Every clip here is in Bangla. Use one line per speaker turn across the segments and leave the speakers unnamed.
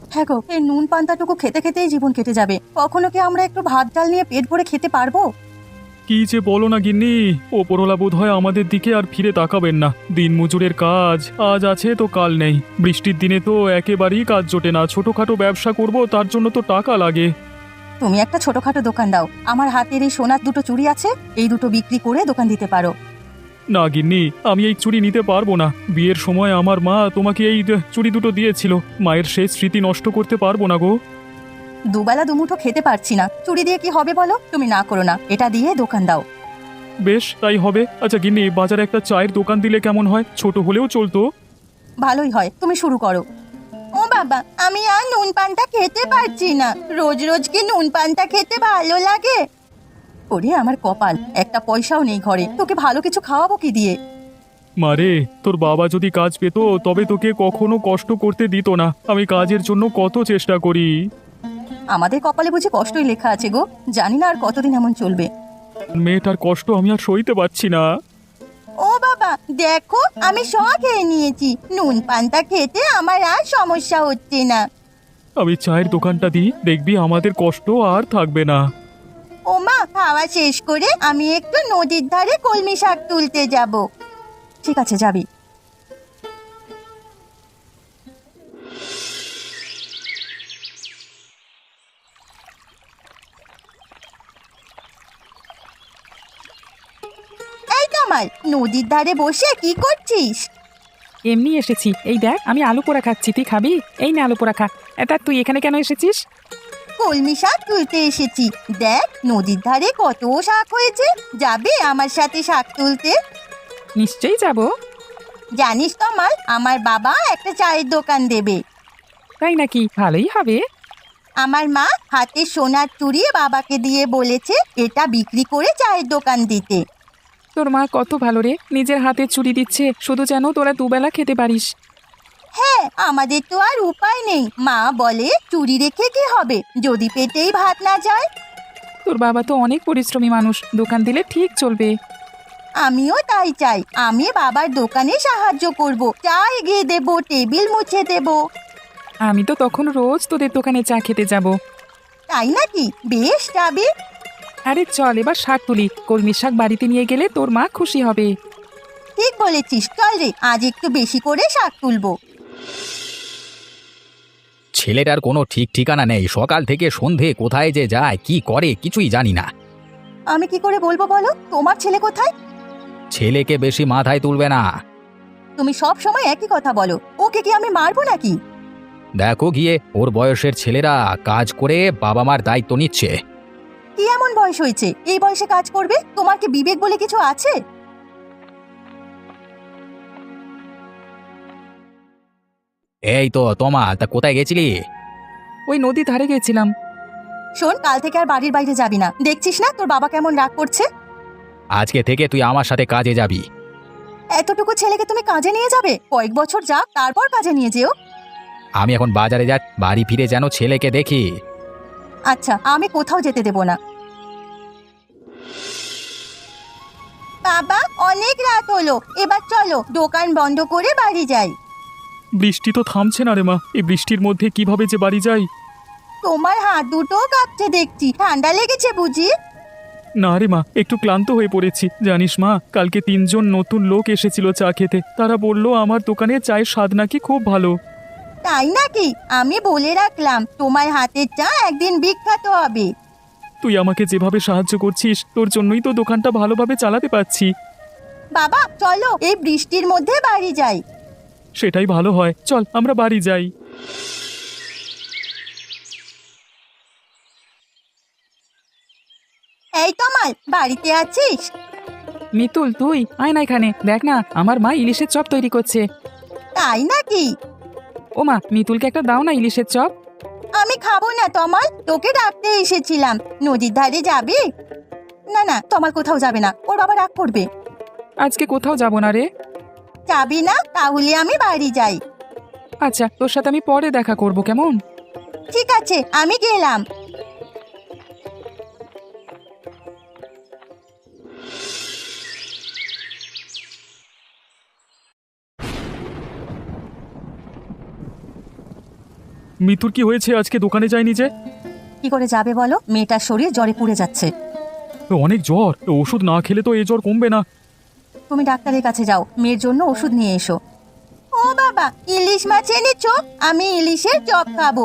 হ্যাঁ গো, এই নুন পান্তাটুকু খেতে খেতেই জীবন কেটে যাবে। কখনো কি আমরা একটু ভাত ডাল নিয়ে পেট ভরে খেতে পারবো?
কি যে বলো না গিন্নি, ওপরওয়ালা বোধ হয় আমাদের দিকে আর ফিরে তাকাবেন না। দিনমজুরের কাজ আজ আছে তো কাল নেই। বৃষ্টির দিনে তো একেবারেই কাজ জোটে না। ছোটখাটো ব্যবসা করব, তার জন্য তো টাকা লাগে।
তুমি একটা ছোটখাটো দোকান দাও। আমার হাতের এই সোনার দুটো চুড়ি আছে, এই দুটো বিক্রি করে দোকান দিতে পারো।
না গিন্নি, আমি এই চুড়ি নিতে পারবো না। বিয়ের সময় আমার মা তোমাকে এই চুড়ি দুটো দিয়েছিল। মায়ের সেই স্মৃতি নষ্ট করতে পারবো না গো।
দুবেলা দুমুঠো খেতে পারছি না, চুড়ি দিয়ে কি হবে বলো? তুমি না করো না, এটা দিয়ে দোকান দাও।
বেশ, তাই হবে। আচ্ছা গিন্নি, বাজারে একটা চায়ের দোকান দিলে কেমন হয়? ছোট হলেও চলতো।
ভালোই হয়, তুমি শুরু করো। ও বাবা, আমি আর নুন পান্তা খেতে পারছি না। রোজ রোজ কি নুন পান্তা খেতে ভালো লাগে? ওরে আমার কপাল, একটা পয়সাও নেই ঘরে, তোকে ভালো কিছু খাওয়াবো কি দিয়ে?
মারে, তোর বাবা যদি কাজ পেত তবে তোকে কখনো কষ্ট করতে দিত না। আমি কাজের জন্য কত চেষ্টা করি।
আমাদের কপালে বুঝি কষ্টই লেখা আছে গো। জানি না আর কতদিন এমন চলবে।
মেয়েটার কষ্ট আমি আর সইতে পারছি না।
ও বাবা, দেখো আমি সব খেয়ে নিয়েছি। নুন পান্তা খেতে আমার আর সমস্যা হচ্ছে না।
আমি চায়ের দোকানটা দিই, দেখবি আমাদের কষ্ট আর থাকবে না।
ও মা, খাওয়া শেষ করে আমি একটু নদীর ধারে কলমি শাক তুলতে যাব। ঠিক আছে, যাবি। এই কামাল, নদীর ধারে বসে কি করছিস?
এমনি এসেছি। এই দেখ, আমি আলু পোড়া খাচ্ছি, তুই খাবি? এই না, আলু পোড়া খা। এটা তুই এখানে কেন এসেছিস?
কলমি শাক তুলতে এসেছি। দেখ নদীর ধারে কত শাক হয়েছে, যাবে আমার সাথে শাক তুলতে?
নিশ্চয়ই যাব।
জানিস কামাল, আমার বাবা একটা চায়ের দোকান দেবে।
তাই নাকি? ভালোই হবে।
আমার মা হাতে সোনার চুড়ি বাবাকে দিয়ে বলেছে এটা বিক্রি করে চায়ের দোকান দিতে।
তোর মা কত ভালো রে, নিজের হাতে চুরি দিচ্ছে শুধু যেন তোরা দুবেলা খেতে পারিস।
হ্যাঁ, আমাদের তো আর উপায় নেই। মা বলে চুরি রেখে কি হবে যদি পেটেই ভাত না যায়।
তোর বাবা তো অনেক পরিশ্রমী মানুষ, দোকান দিলে ঠিক চলবে।
আমিও তাই চাই, আমি বাবার দোকানে সাহায্য করব, চা এগিয়ে দেব, টেবিল মুছে দেব।
আমি তো তখন রোজ তোদের দোকানে চা খেতে যাব।
তাই নাকি? বেশ, যাবি।
আরে চল এবার শাক তুলি, কলমি শাক বাড়িতে নিয়ে গেলে তোর মা খুশি হবে।
ঠিক বলেছিস, চল রে, আজ একটু বেশি করে শাক তুলবো।
ছেলেটার কোনো ঠিক ঠিকানা নেই। সকাল থেকে সন্ধে কোথায় যে যায়, কি করে, কিছুই জানি না।
আমি কি করে বলবো বলো? তোমার ছেলে কোথায়?
ছেলেকে বেশি মাথায় তুলবে না।
তুমি সব সময় একই কথা বলো। ওকে কি আমি মারবো নাকি?
দেখো গিয়ে, ওর বয়সের ছেলেরা কাজ করে বাবা মার দায়িত্ব নিচ্ছে।
কি এমন বয়স হয়েছে এই বয়সে কাজ করবে? তোমার কি বিবেক বলে কিছু আছে?
এই তো তোমা, তা কোথায় গেছিলি?
ওই নদী ধারে গেছিলাম।
শোন, কাল থেকে আর বাড়ির বাইরে যাবি না। দেখছিস না তোর বাবা কেমন রাগ করছে?
আজকে থেকে তুই আমার সাথে কাজে যাবি।
এতটুকু ছেলেকে তুমি কাজে নিয়ে যাবে? কয়েক বছর যাক, তারপর কাজে নিয়ে যেও।
আমি এখন বাজারে যা, বাড়ি ফিরে যেন ছেলেকে দেখি।
আচ্ছা, আমি কোথাও যেতে দেব না। বাবা, অনেক রাত হলো, এবার চলো দোকান বন্ধ করে বাড়ি যাই।
বৃষ্টি তো থামছে না রে মা, এই বৃষ্টির মধ্যে কিভাবে যে বাড়ি যাই।
তোমার হাত দুটো কাঁপছে দেখছি, ঠান্ডা লেগেছে বুঝি?
না রে মা, একটু ক্লান্ত হয়ে পড়েছি। জানিস মা, কালকে 3জন নতুন লোক এসেছিল চা খেতে। তারা বলল আমার দোকানে চায়ের স্বাদ নাকি খুব ভালো।
তাই নাকি? আমি বলে রাখলাম তোমার হাতের চা একদিন বিখ্যাত হবে।
তুই আমাকে যেভাবে সাহায্য করছিস, তোর জন্যই তো দোকানটা ভালোভাবে চালাতে পারছি।
বাবা চলো, এই বৃষ্টির মধ্যে বাড়ি যাই।
সেটাই ভালো হয়, চল আমরা বাড়ি যাই।
এই কমাল, বাড়িতে আছিস?
মিতুল, তুই আয় না এখানে, দেখ না আমার মা ইলিশের চপ তৈরি করছে।
তাই নাকি?
ও মা, মিতুলকে একটা দাও না ইলিশের চপ।
আমি খাবো না তমাল, তোকে ডাকতে এসেছিলাম। নদীর ধারে যাবি? না না, তমাল কোথাও যাবে না, ওর বাবা রাগ করবে।
আজকে কোথাও যাব না রে।
যাবি না? তাহলে আমি বাড়ি যাই।
আচ্ছা, তোর সাথে আমি পরে দেখা করব, কেমন?
ঠিক আছে, আমি গেলাম।
মিতুর কি হয়েছে? আজকে দোকানে যায়নি যে?
কি করে যাবে বলো, মেয়েটার শরীর জ্বরে পুড়ে যাচ্ছে।
অনেক জ্বর, ওষুধ না খেলে তো এ জ্বর কমবে না।
তুমি ডাক্তারের কাছে যাও, মেয়ের জন্য ওষুধ নিয়ে এসো। ও বাবা, ইলিশ মাছ এনেছো? আমি ইলিশের চপ খাবো।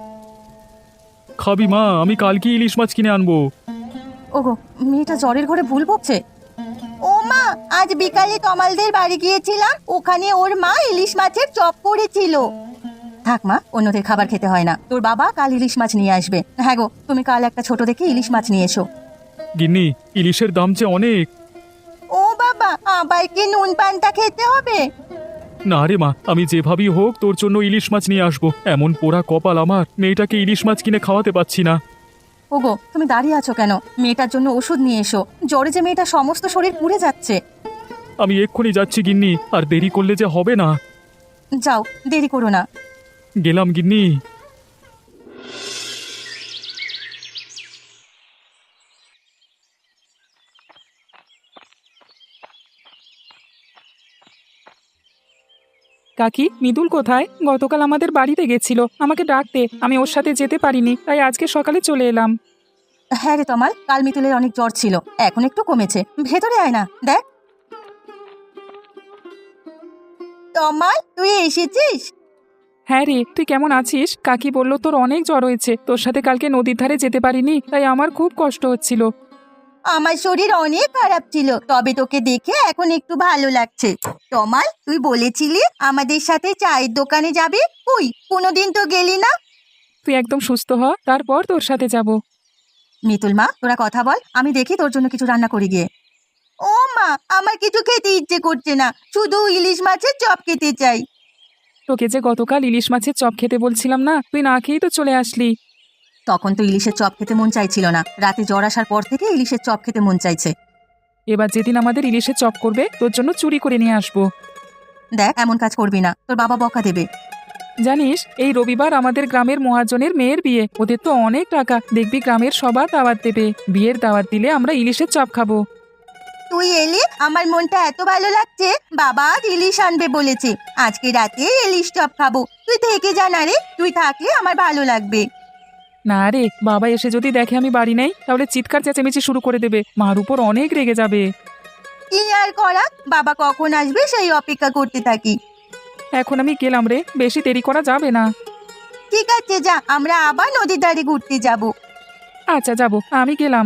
খাবি মা, আমি কালকে ইলিশ মাছ কিনে আনবো।
ওগো, মেয়েটা জ্বরের ঘরে ভুল বকছে। ও মা, আজ বিকালে তমালদের বাড়ি গিয়েছিলাম, ওখানে ওর মা ইলিশ মাছের চপ করেছিল। থাক মা, অন্যদের খাবার খেতে হয় না। তোর বাবা কাল ইলিশ মাছ নিয়ে আসবে। হ্যাঁ গো, তুমি কাল একটা ছোট দেখে ইলিশ মাছ নিয়ে এসো।
গিন্নি, ইলিশের দাম যে অনেক।
ও বাবা, আবার কি নুন পান্তা খেতে হবে?
না রে মা, আমি যেভাবেই হোক তোর জন্য ইলিশ মাছ নিয়ে আসবো। এমন পোড়া কপাল আমার, মেয়েটাকে ইলিশ মাছ কিনে খাওয়াতে পাচ্ছি না।
ওগো, তুমি দাঁড়িয়ে আছো কেন? মেয়েটার জন্য ওষুধ নিয়ে এসো। জ্বরে যে মেয়েটা সমস্ত শরীর পুড়ে যাচ্ছে।
আমি এক্ষুনি যাচ্ছি গিন্নি, আর দেরি করলে যে হবে না।
যাও, দেরি করো না।
গেলাম গিন্নি।
কাকি, মৃদুল কোথায়? গতকাল আমাদের বাড়িতে গেছিল, আমাকে ডাকতে, আমি ওর সাথে যেতে পারিনি, তাই আজকে সকালে চলে এলাম।
হ্যাঁ রে তমাল, কাল মিতুলের অনেক জ্বর ছিল, এখন একটু কমেছে। ভেতরে আয় না, দেখ। তমাল, তুই এসেছিস?
হ্যাঁ রে, তুই কেমন আছিস? কাকি বলল তোর অনেক জ্বর হয়েছে, তোর সাথে কালকে নদীর ধারে যেতে পারিনি, তাই আমার খুব কষ্ট হচ্ছিল।
আমার শরীর অনেক খারাপ ছিল, তবে তোকে দেখে এখন একটু ভালো লাগছে। তমাল, তুই বলেছিলি আমাদের সাথে চায়ের দোকানে যাবি, কই কোনোদিন তো গেলি না।
তুই একদম সুস্থ হ, তারপর তোর সাথে যাব।
মিতুল মা, তোরা কথা বল, আমি দেখি তোর জন্য কিছু রান্না করি গিয়ে। ও মা, আমার কিছু খেতে ইচ্ছে করছে না, শুধু ইলিশ মাছের চপ খেতে চাই।
তোকে যে গতকাল ইলিশ মাছের চপ খেতে বলছিলাম না, তুই না খেয়েই তো চলে আসলি।
তখন তো ইলিশের চপ খেতে মন চাইছিল না, রাতে জ্বর আসার পর থেকে ইলিশের চপ খেতে মন চাইছে।
এবার যেদিন আমাদের ইলিশের চপ করবে, তোর জন্য চুরি করে নিয়ে আসবো।
দেখ, এমন কাজ করবি না, তোর বাবা বকা দেবে।
জানিস, এই রবিবার আমাদের গ্রামের মহাজনের মেয়ের বিয়ে, ওদের তো অনেক টাকা, দেখবি গ্রামের সবার দাওয়াত দেবে। বিয়ের দাওয়াত দিলে আমরা ইলিশের চপ খাবো।
তুই এলি, আমার মনটা এত ভালো লাগছে। বাবা আজ ইলিশ আনবে বলেছে, আজকে রাতে ইলিশ চপ খাবো। তুই থেকে যা না রে, তুই থাকলে আমার ভালো লাগবে।
না রে, বাবা এসে যদি দেখে আমি বাড়ি নেই, তাহলে চিৎকার চেঁচামেচি শুরু করে দেবে, মার উপর অনেক রেগে যাবে।
কি আর করা, বাবা কখন আসবে সেই অপেক্ষা করতে থাকি।
এখন আমি গেলাম রে, বেশি দেরি করা যাবে না।
ঠিক আছে, যা, আমরা আবার নদীর ধারে ঘুরতে যাব।
আচ্ছা, যাব, আমি গেলাম।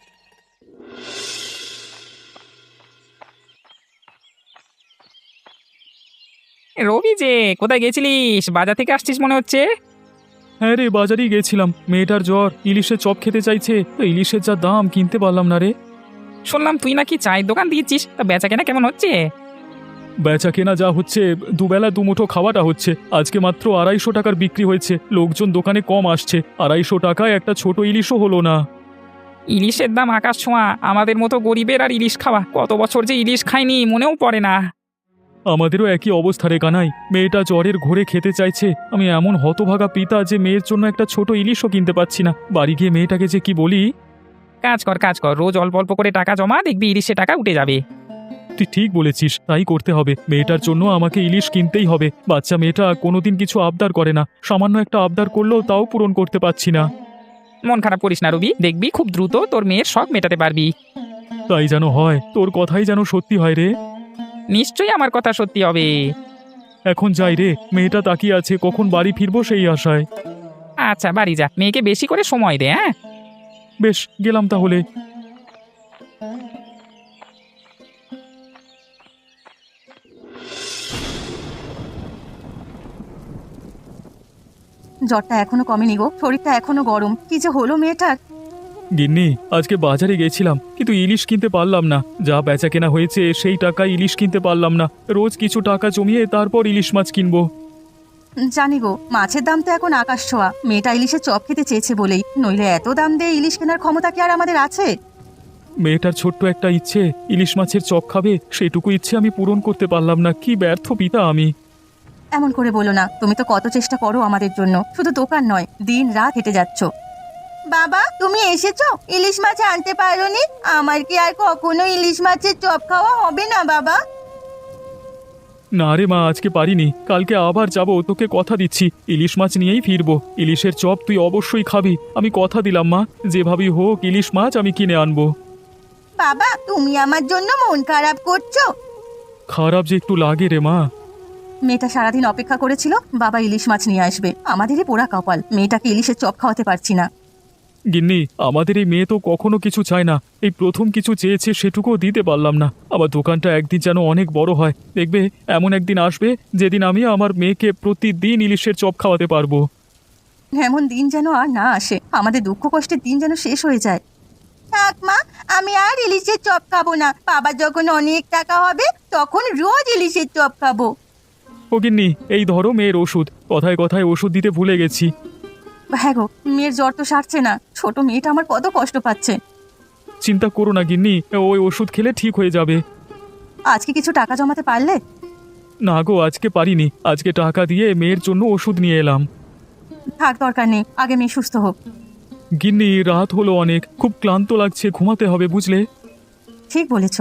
রবি যে, কোথায় গেছিলিস? বাজার থেকে আসছিস মনে হচ্ছে।
হ্যাঁ রে, বাজারেই গেছিলাম। মেয়েটার জ্বর, ইলিশের চপ খেতে চাইছে, তো ইলিশের যা দাম, কিনতে পারলাম না রে।
শুনলাম তুই নাকি চায়ের দোকান দিয়েছিস, তা বেচা কেনা কেমন হচ্ছে?
বেচা কেনা যা হচ্ছে, দুবেলা দুমুঠো খাওয়াটা হচ্ছে। আজকে মাত্র 250 টাকার বিক্রি হয়েছে, লোকজন দোকানে কম আসছে। 250 টাকায় একটা ছোট ইলিশও হলো না।
ইলিশের দাম আকাশ ছোঁয়া, আমাদের মতো গরিবের আর ইলিশ খাওয়া, কত বছর যে ইলিশ খাইনি মনেও পড়ে না।
আমাদেরও একই অবস্থা রে কানাই, মেয়েটা জ্বরের ঘোরে খেতে চাইছে। আমি এমন হতভাগা পিতা যে মেয়ের জন্য একটা ছোট ইলিশও কিনতে পাচ্ছি না। বাড়ি গিয়ে মেয়েটাকে যে কি বলি।
কাজ কর, রোজ অল্প অল্প করে টাকা জমা, দেখবি ইলিশে টাকা উঠে যাবে।
তুই ঠিক বলেছিস, তাই করতে হবে। মেয়েটার জন্য আমাকে ইলিশ কিনতেই হবে। বাচ্চা মেয়েটা কোনোদিন কিছু আবদার করে না, সামান্য একটা আবদার করলেও তাও পূরণ করতে পারছি না।
মন খারাপ করিস না রবি, দেখবি খুব দ্রুত তোর মেয়ের শখ মেটাতে পারবি।
তাই যেন হয়, তোর কথাই যেন সত্যি হয় রে।
নিশ্চয়ই আমার কথা সত্যি হবে।
এখন যাই রে, মেয়েটা তাকিয়ে আছে, কখন বাড়ি ফিরবো সেই আশায়।
আচ্ছা, বাড়ি যা, মেয়েকে বেশি করে সময় দে। হ্যাঁ,
বেশ, গেলাম তাহলে।
জ্বরটা এখনো কমেনি গো, শরীরটা এখনো গরম। কি যে হলো মেয়েটার।
গিন্নি, আজকে বাজারে গেছিলাম, কিন্তু ইলিশ কিনতে পারলাম না। যা বেচা কেনা হয়েছে সেই টাকায় ইলিশ কিনতে পারলাম না। রোজ কিছু টাকা জমিয়ে তারপর ইলিশ মাছ কিনবো।
জানি গো, মাছের দাম তো এখন আকাশ ছোঁয়া। মেয়েটা ইলিশের চপ খেতে চেয়েছে বলেই, নইলে এত দাম দিয়ে ইলিশ কেনার ক্ষমতা কি আর আমাদের আছে?
মেয়েটার ছোট্ট একটা ইচ্ছে, ইলিশ মাছের চপ খাবে, সেটুকু ইচ্ছে আমি পূরণ করতে পারলাম না। কি ব্যর্থ পিতা আমি।
এমন করে বলো না, তুমি তো কত চেষ্টা করো আমাদের জন্য, শুধু দোকান নয়, দিন রাত হেঁটে যাচ্ছ। বাবা, তুমি এসেছো? ইলিশ মাছ আনতে পারোনি? আমার কি আর কখনো ইলিশ মাছের চপ খাওয়া হবে না বাবা?
না রে মা, আজকে পারিনি, কালকে আবার যাব, তোকে কথা দিচ্ছি ইলিশ মাছ নিয়েই ফিরবো। ইলিশের চপ তুই অবশ্যই খাবি, আমি কথা দিলাম মা, যেভাবেই হোক ইলিশ মাছ আমি কিনে আনবো।
বাবা, তুমি আমার জন্য মন খারাপ করছো?
খারাপ যে একটু লাগে রে মা।
মেয়েটা সারাদিন অপেক্ষা করেছিল বাবা ইলিশ মাছ নিয়ে আসবে, আমাদেরই পোড়া কপাল, মেয়েটাকে ইলিশের চপ খাওয়াতে পারছি না।
গিন্নি, আমাদের এই মেয়ে তো কখনো কিছু চায় না, এই প্রথম কিছু চেয়েছে সেটুকুও দিতে পারলাম না। আমার দোকানটা একদিন যেন অনেক বড় হয়, দেখবে এমন একদিন আসবে যেদিন আমি আমার মেয়েকে প্রতিদিন ইলিশের চপ খাওয়াতে পারবো।
এমন দিন যেন আর না আসে, আমাদের দুঃখ কষ্টের দিন যেন শেষ হয়ে যায়। থাক মা, আমি আর ইলিশের চপ খাবো না। বাবা যখন অনেক টাকা হবে তখন রোজ ইলিশের চপ খাবো।
ও গিন্নি, এই ধরো মেয়ের ওষুধ, কথায় কথায় ওষুধ দিতে ভুলে গেছি।
হ্যাঁ গো, মেয়ের জ্বর তো সারছে না, ছোট মেয়েটা আমার কত কষ্ট পাচ্ছে।
চিন্তা করো না গিন্নি, ওই ওষুধ খেলে ঠিক হয়ে যাবে।
আজকে কিছু টাকা জমাতে পারলে?
না গো, আজকে পারিনি, আজকে টাকা দিয়ে মেয়ের জন্য ওষুধ নিয়ে এলাম।
থাক, দরকার নেই, আগে মেয়ে সুস্থ হোক।
গিন্নি, রাত হলো অনেক, খুব ক্লান্ত লাগছে, ঘুমাতে হবে বুঝলে।
ঠিক বলেছ।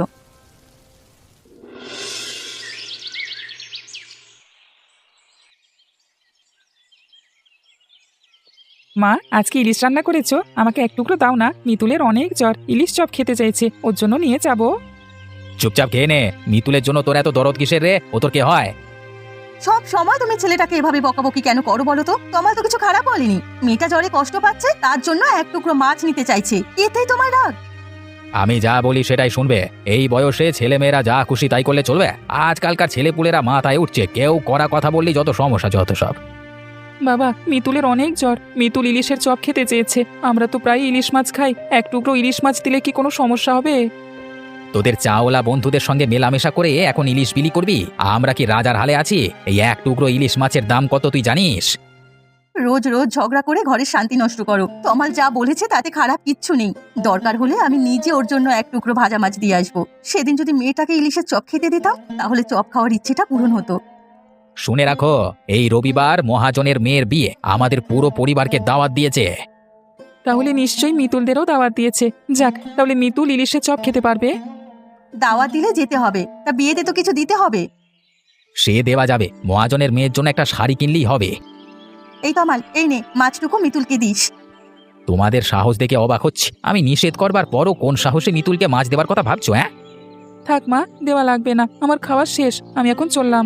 মা, আজকে ইলিশ রান্না করেছো? আমাকে এক টুকরো দাও না, মিতুলের অনেক জ্বর, ইলিশ চপ খেতে চাইছে, ওর জন্য নিয়ে যাবো।
চুপচাপ খেয়ে নে, মিতুলের জন্য তোর এত দরদ কিসের রে? ও তোর কে হয়?
সব সময় তুমি ছেলেটাকে এভাবে বকাবকি কেন করো বলো তো? তোমার তো কিছু খারাপ বলেনি, মেয়েটা জ্বরে কষ্ট পাচ্ছে তার জন্য এক টুকরো মাছ নিতে চাইছে, এতেই তোমার রাগ?
আমি যা বলি সেটাই শুনবে। এই বয়সে ছেলেমেয়েরা যা খুশি তাই করলে চলবে? আজকালকার ছেলেপুলেরা মাথায় উঠছে, কেউ করা কথা বললেই যত সমস্যা, যত সব।
বাবা, মিতুলের অনেক জ্বর, মিতুল ইলিশের চপ খেতে চেয়েছে। আমরা তো প্রায় ইলিশ মাছ খাই, এক টুকরো ইলিশ মাছ দিলে কি কোনো সমস্যা হবে?
তোদের চাওলা বন্ধুদের সঙ্গে মেলামেশা করে এখন ইলিশ বিলি করবি? আমরা কি রাজার হালে আছি? এই এক টুকরো ইলিশ মাছের দাম কত তুই জানিস?
রোজ রোজ ঝগড়া করে ঘরের শান্তি নষ্ট করো। তমাল যা বলেছে তাতে খারাপ কিচ্ছু নেই, দরকার হলে আমি নিজে ওর জন্য এক টুকরো ভাজা মাছ দিয়ে আসবো। সেদিন যদি মেয়েটাকে ইলিশের চপ খেতে দিতাম তাহলে চপ খাওয়ার ইচ্ছেটা পূরণ হতো।
শুনে রাখো, এই রবিবার মহাজনের মেয়ের বিয়ে, আমাদের পুরো পরিবারকে দাওয়াত দিয়েছে।
তাহলে নিশ্চয়ই মিতুলদেরও দাওয়াত দিয়েছে। যাক, তাহলে মিতুল ইলিশের চপ খেতে পারবে।
দাওয়াত দিলে যেতে হবে, তা বিয়েতে তো কিছু দিতে হবে।
সে দেওয়া যাবে, মহাজনের মেয়ের জন্য একটা শাড়ি কিনলেই হবে।
এই তমাল, এই নে মাছটুকু মিতুলকে দিস।
তোমাদের সাহস দেখে অবাক হচ্ছে, আমি নিষেধ করবার পরও কোন সাহসে মিতুলকে মাছ দেবার কথা ভাবছো? হ্যাঁ,
থাক মা, দেওয়া লাগবে না, আমার খাওয়া শেষ, আমি এখন চললাম।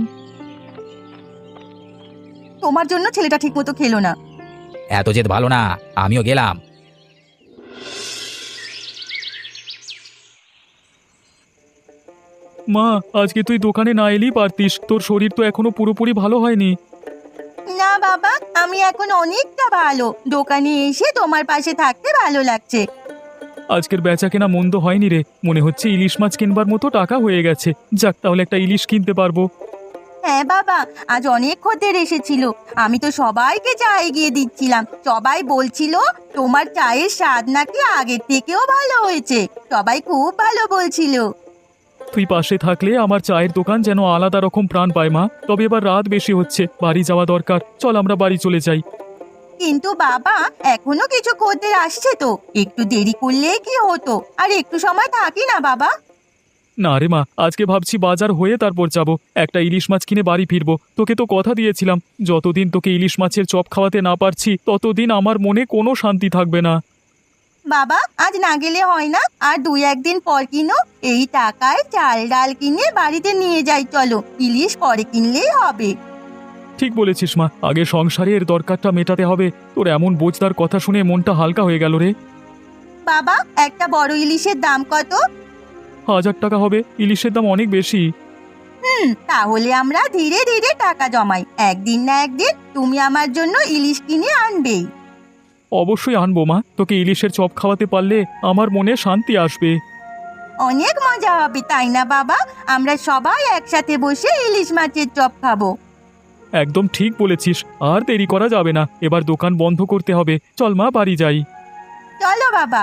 তোমার জন্য ছেলেটা ঠিক মতো খেলো না।
এত জেদ ভালো না, আমিও গেলাম।
মা, আজকে তুই দোকানে না এলেই পারতিস, তোর শরীর তো এখনো পুরোপুরি ভালো হয়নি।
না বাবা, আমি এখন অনেকটা ভালো, দোকানে এসে তোমার পাশে থাকতে ভালো লাগছে।
আজকের বেচা কেনা মন্দ হয়নি রে, মনে হচ্ছে ইলিশ মাছ কিনবার মতো টাকা হয়ে গেছে। যাক, তাহলে একটা ইলিশ কিনতে পারবো।
হ্যাঁ বাবা, আজ অনেক খদ্দের এসেছিল, আমি তো সবাইকে চা এগিয়ে দিচ্ছিলাম, সবাই বলছিল তোমার চায়ের স্বাদ নাকি আগের থেকেও ভালো হয়েছে, সবাই খুব ভালো বলছিল।
তুই পাশে থাকলে আমার চায়ের দোকান যেন আলাদা রকম প্রাণ পায় মা। তবে এবার রাত বেশি হচ্ছে, বাড়ি যাওয়া দরকার, চল আমরা বাড়ি চলে যাই।
কিন্তু বাবা, এখনো কিছু খদ্দের আসছে তো, একটু দেরি করলে কি হতো, আর একটু সময় থাকি না বাবা?
না রে মা, আজকে ভাবছি বাজার হয়ে তারপর যাব, একটা ইলিশ মাছ কিনে বাড়ি ফিরবো। তোকে তো কথা দিয়েছিলাম, যতদিন তোকে ইলিশ মাছের চপ খাওয়াতে না পারছি ততদিন আমার মনে কোনো শান্তি থাকবে না।
বাবা, আজ না গেলে হয় না, আর 2-1 দিন পর কিনো, এই টাকায় চাল ডাল কিনে বাড়িতে নিয়ে যাই, চলো, ইলিশ পরে কিনলেই হবে।
ঠিক বলেছিস মা, আগে সংসারের দরকারটা মেটাতে হবে। তোর এমন বোঝদার কথা শুনে মনটা হালকা হয়ে গেল রে।
বাবা, একটা বড় ইলিশের দাম কত?
1000 টাকা হবে, ইলিশের দাম অনেক বেশি।
তাহলে আমরা ধীরে ধীরে টাকা জমাই, একদিন না একদিন তুমি আমার জন্য ইলিশ কিনে আনবেই।
অবশ্যই আনবো মা, তোকে ইলিশের চপ খাওয়াতে পারলে আমার মনে শান্তি আসবে।
অনেক মজা হবে তাই না বাবা? আমরা সবাই একসাথে বসে ইলিশ মাছের চপ খাবো।
একদম ঠিক বলেছিস, আর দেরি করা যাবে না, এবার দোকান বন্ধ করতে হবে। চল মা, বাড়ি যাই।
চলো বাবা।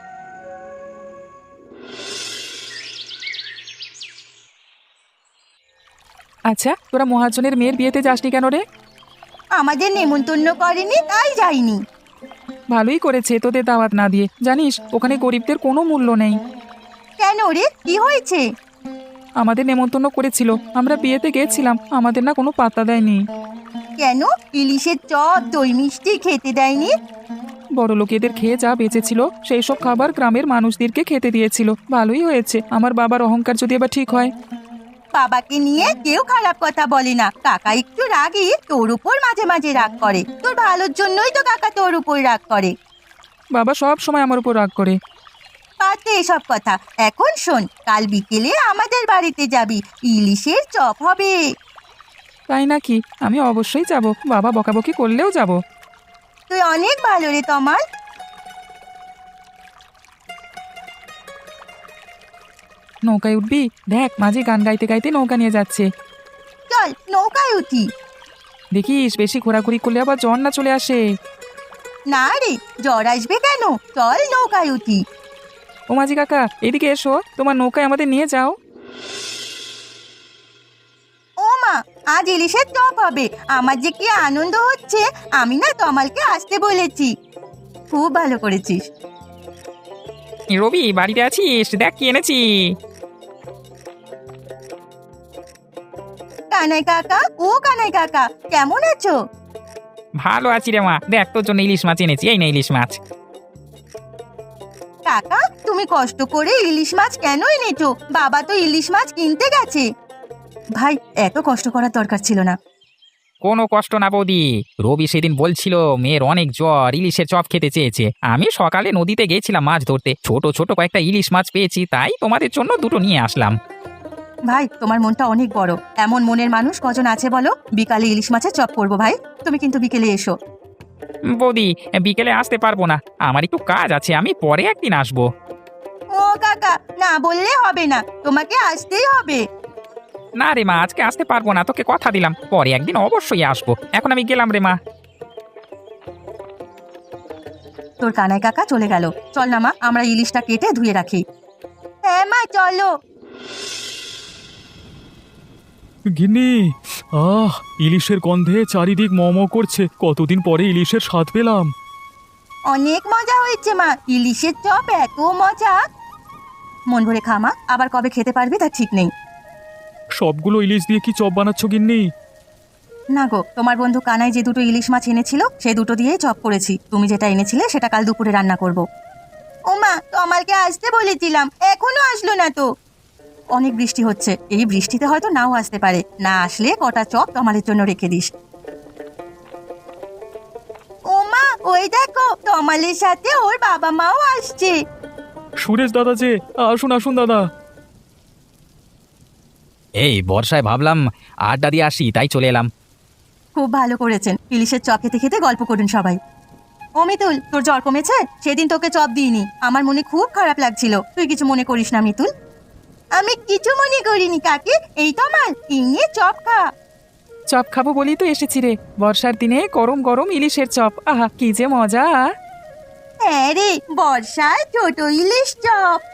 আচ্ছা, তোরা মহাজনের মেয়ের বিয়েতে যাসনি কেন রে?
আমাদের নেমন্তন্ন করেনি তাই যাইনি।
ভালোই করেছে তোদের দাওয়াত না দিয়ে, জানিস ওখানে গরিবদের কোনো মূল্য নেই।
কেন রে, কি হয়েছে?
আমাদের নেমন্তন্ন করেছিল, আমরা বিয়েতে গেছিলাম, আমাদের না কোনো পাত্তা দেয়নি।
কেন ইলিশের চপ দই মিষ্টি খেতে দেয়নি?
বড় লোকেদের খেয়ে যা বেঁচেছিল সেই সব খাবার গ্রামের মানুষদেরকে খেতে দিয়েছিল। ভালোই হয়েছে, আমার বাবার অহংকার যদি এবার ঠিক হয়।
বাবাকে নিয়ে কেউ খারাপ কথা বলে না। কাকা একটু রাগী, তোর উপর মাঝে মাঝে রাগ করে। তোর ভালোর জন্যই তো কাকা তোর উপর রাগ করে।
বাবা সব সময় আমার উপর রাগ করে।
পাতে এসব কথা। এখন শোন, কাল বিকেলে আমাদের বাড়িতে যাবি, ইলিশের চপ হবে।
তাই নাকি? আমি অবশ্যই যাব, বাবা বকাবকি করলেও যাব।
তুই অনেক ভালো রে তমাল।
নৌকায় উঠবি? দেখ মাঝি গান গাইতে গাইতে নৌকা নিয়ে যাচ্ছে।
চল নৌকায় উঠি।
দেখিস বেশি ঘোরাঘুরি করলে আবার জ্বর না চলে আসে।
না রে, জ্বর আসবে কেন? চল নৌকায় উঠি।
ও মাঝি কাকা, এদিকে এসো, তোমার নৌকায় আমাদের নিয়ে যাও।
ও মা, আজ ইলিশের চপ হবে। আমার যে কি আনন্দ হচ্ছে। আমি না তমালকে আসতে বলেছি। খুব ভালো করেছিস।
রবি, বাড়িতে আছিস? দেখ কি এনেছি।
কানাই কাকা, ও কানাই কাকা, কেমন আছো?
ভালো আছি রে মা, দেখ তোর জন্য ইলিশ মাছ এনেছি, এই না ইলিশ মাছ।
কাকা, তুমি কষ্ট করে ইলিশ মাছ কেন এনেছো? বাবা তো ইলিশ মাছ কিনতে গেছে। ভাই, এত কষ্ট করার দরকার ছিল না।
কোনো কষ্ট না বৌদি, রবি সেদিন বলছিল মেয়ের অনেক জ্বর, ইলিশের চপ খেতে চেয়েছে। আমি সকালে নদীতে গেছিলাম মাছ ধরতে, ছোট ছোট কয়েকটা ইলিশ মাছ পেয়েছি, তাই তোমাদের জন্য দুটো নিয়ে আসলাম।
ভাই, তোমার মনটা অনেক বড়। এমন মনের মানুষ কজন আছে বলো? বিকালে ইলিশ মাছের চপ করবো ভাই, তুমি কিন্তু বিকেলে এসো।
বৌদি, বিকেলে আসতে পারবো না, আমার একটু কাজ আছে, আমি পরে একদিন আসবো।
ও কাকা, না বললে হবে না, তোমাকে আসতেই হবে।
না রে মা, আজকে আসতে পারবো না, তোকে কথা দিলাম, পরে একদিন অবশ্যই আসবো। এখন আমি গেলাম রে মা।
তোর কানাই কাকা চলে গেল। চল না মা, আমরা ইলিশটা কেটে ধুয়ে রাখি। হ্যাঁ মা, চলো।
গিন্নি, ইলিশের গন্ধে চারিদিক মম করছে। কতদিন পরে ইলিশের স্বাদ পেলাম।
অনেক মজা হয়েছে মা, ইলিশের চপ এত মজা। মন ভরে খা মা, আবার কবে খেতে পারবি তার ঠিক নেই।
সবগুলো ইলিশ দিয়ে কি চপ বানাচ্ছ গিন্নি?
না গো, তোমার বন্ধু কানাই যে দুটো ইলিশ মাছ এনেছিল সে দুটো দিয়েই চপ করেছি। তুমি যেটা এনেছিলে সেটা কাল দুপুরে রান্না করব। ও মা, তমালকে আসতে বলেছিলাম, এখনো আসলো না তো। অনেক বৃষ্টি হচ্ছে, এই বৃষ্টিতে হয়তো নাও আসতে পারে। না আসলে কটা চপ তমালের জন্য রেখে দিস। ও মা, ওই দেখো তমালের সাথে ওর বাবা মাও আসছে।
সুরেশ দাদা যে, আসুন আসুন দাদা।
এই বর্ষায় ভাবলাম আড্ডা দিয়ে আসি, তাই চলে এলাম।
খুব ভালো করেছেন, ইলিশের চপ খেতে খেতে গল্প করুন সবাই। ও মিতুল, তোর জ্বর কমেছে? সেদিন তোকে চপ দিইনি, আমার মনে খুব খারাপ লাগছিল। তুই কিছু মনে করিস না মিতুল। আমি কিছু মনে করিনি কাকি। এই তমাল, ইংয়ে চপ খা।
চপ খাবো বলেই তো এসেছি রে, বর্ষার দিনে গরম গরম ইলিশের চপ, আহা কি যে মজা।
হ্যাঁ রে, বর্ষায় ছোট ইলিশ চপ।